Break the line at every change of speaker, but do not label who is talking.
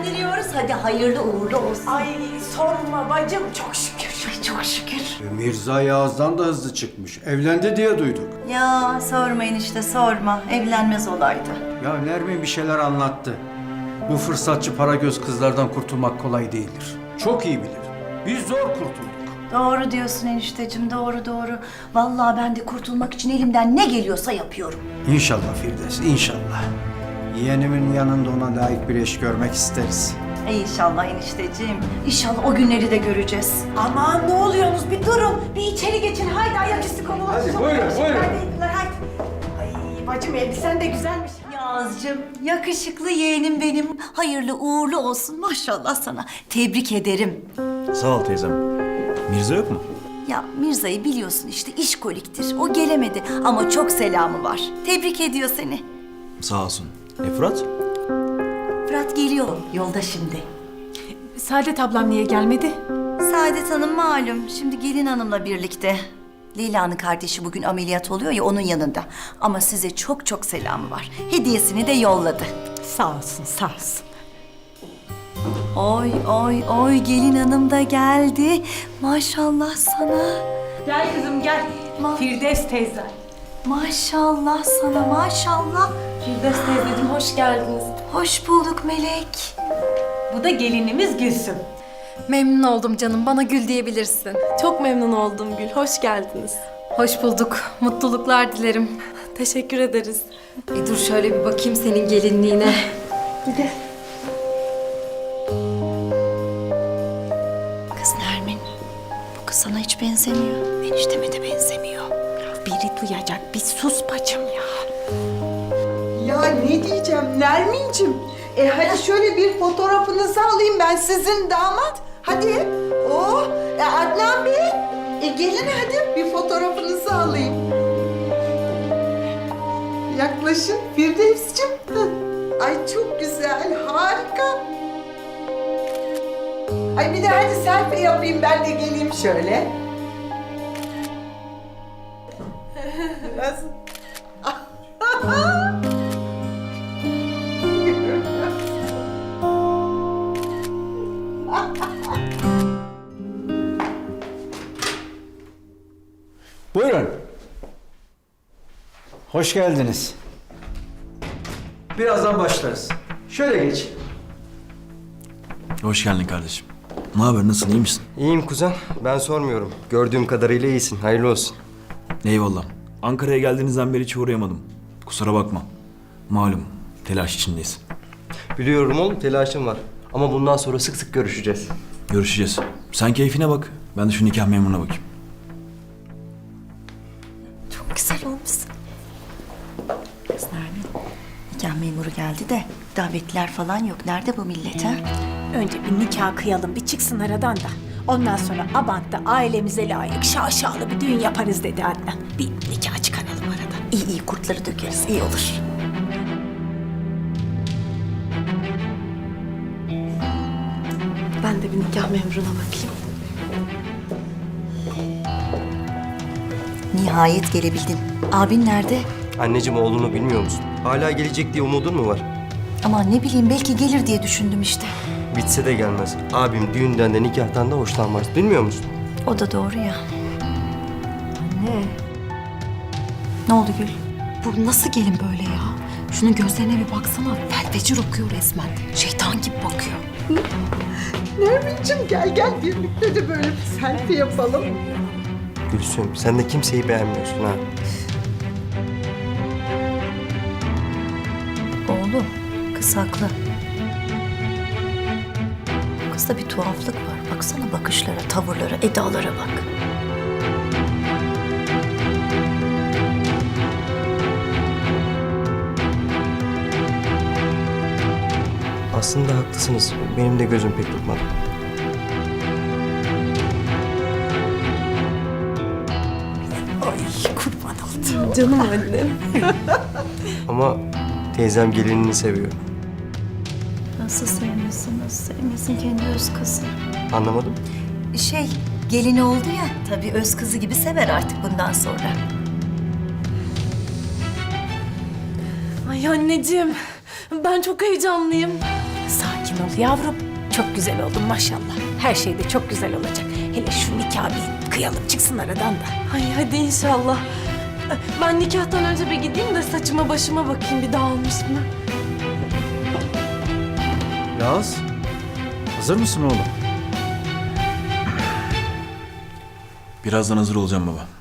evlendiriyoruz. Hadi hayırlı uğurlu olsun.
Ay sorma bacım, çok şükür.
Ay çok şükür.
Mirza Yağız'dan da hızlı çıkmış. Evlendi diye duyduk.
Ya sormayın işte sorma. Evlenmez olaydı.
Ya Nermin bir şeyler anlattı. Bu fırsatçı para göz kızlardan kurtulmak kolay değildir. Çok iyi bilir. Biz zor kurtulduk.
Doğru diyorsun enişteciğim, doğru. Vallahi ben de kurtulmak için elimden ne geliyorsa yapıyorum.
İnşallah Firdevs, inşallah. Yeğenimin yanında ona layık bir eş görmek isteriz.
İnşallah enişteciğim. İnşallah o günleri de göreceğiz.
Aman ne oluyorsunuz? Bir durun, bir içeri geçin. Haydi ayaküstü konular.
Hadi,
Çok
buyurun,
yakışıklı.
buyurun.
Haydi Eyüpler, haydi. Ay bacım elbisen de güzelmiş.
Yağız'cığım, yakışıklı yeğenim benim. Hayırlı uğurlu olsun maşallah sana. Tebrik ederim.
Sağ ol teyzem. Mirza yok mu?
Ya Mirza'yı biliyorsun işte işkoliktir. O gelemedi ama çok selamı var. Tebrik ediyor seni.
Sağ olsun. Fırat?
Fırat geliyor yolda şimdi.
Saadet ablam niye gelmedi?
Saadet Hanım malum şimdi gelin hanımla birlikte. Leyla'nın kardeşi bugün ameliyat oluyor ya onun yanında. Ama size çok çok selamı var. Hediyesini de yolladı.
Sağ olsun, sağ olsun.
Oy gelin hanım da geldi. Maşallah sana.
Gel kızım gel. Firdevs teyze.
Maşallah sana maşallah.
Firdevs teyzeciğim hoş geldiniz.
Hoş bulduk Melek.
Bu da gelinimiz Gülsüm.
Memnun oldum canım. Bana Gül diyebilirsin.
Çok memnun oldum Gül. Hoş geldiniz.
Hoş bulduk. Mutluluklar dilerim.
Teşekkür ederiz.
Dur şöyle bir bakayım senin gelinliğine.
Kız Nermin, bu kız sana hiç benzemiyor. Enişteme de benzemiyor.
Biri duyacak, bir sus bacım ya. Ya ne diyeceğim Nermin'cim? Hadi şöyle bir fotoğrafınızı alayım ben sizin damat. Hadi. Oh, Adnan Bey. Gelin hadi bir fotoğrafınızı alayım. Yaklaşın Firdevs'cim. Ay çok güzel, harika. Ay bir de hadi selfie yapayım ben de geleyim şöyle. Nasıl?
Buyurun. Hoş geldiniz. Birazdan başlarız. Şöyle geç.
Hoş geldin kardeşim. Ne haber? Nasılsın? İyi misin?
İyiyim kuzen. Ben sormuyorum. Gördüğüm kadarıyla iyisin. Hayırlı olsun.
Eyvallah. Ankara'ya geldiğinizden beri hiç uğrayamadım. Kusura bakma. Malum telaş içindeyiz.
Biliyorum oğlum telaşım var. Ama bundan sonra sık sık görüşeceğiz.
Görüşeceğiz. Sen keyfine bak. Ben de şu nikah memuruna bakayım.
Çok güzel olmuşsun. Kız Nermin, nikah memuru geldi de davetliler falan yok. Nerede bu millet ha?
Önce bir nikah kıyalım, bir çıksın aradan da. Ondan sonra Abant'ta ailemize layık şaşalı bir düğün yaparız dedi Adnan. Bir nikah çıkaralım aradan.
İyi kurtları dökeriz, iyi olur.
Ben de bir nikah memuruna bakayım.
Nihayet gelebildin. Abin nerede?
Anneciğim oğlunu bilmiyor musun? Hala gelecek diye umudun mu var?
Aman ne bileyim belki gelir diye düşündüm işte.
Bitse de gelmez. Abim düğünden de nikahtan da hoşlanmaz. Bilmiyor musun?
O da doğru ya. Ne oldu Gül?
Bu nasıl gelin böyle ya? Şunun gözlerine bir baksana. Felfecir okuyor resmen. Şeytan gibi bakıyor.
Nermin'cim gel birlikte de böyle bir selfie yapalım.
Gülsüm sen de kimseyi beğenmiyorsun ha.
Oğlum, kız haklı. Kızda bir tuhaflık var. Baksana bakışlara, tavırlara, edalara bak.
Aslında haklısınız. Benim de gözüm pek tutmadı.
Ay kurban oldum.
Canım annem.
Ama teyzem gelinini seviyor.
Nasıl sevmesin kendi öz kızı.
Anlamadım.
Gelini oldu ya, tabii öz kızı gibi sever artık bundan sonra.
Ay anneciğim. Ben çok heyecanlıyım.
Sakin ol yavrum. Çok güzel oldun maşallah. Her şey de çok güzel olacak. Hele şu nikahı bir kıyalım çıksın aradan da.
Ay hadi inşallah. Ben nikahtan önce bir gideyim de saçıma başıma bakayım bir dağılmış mı?
Yaz, hazır mısın oğlum?
Birazdan hazır olacağım baba.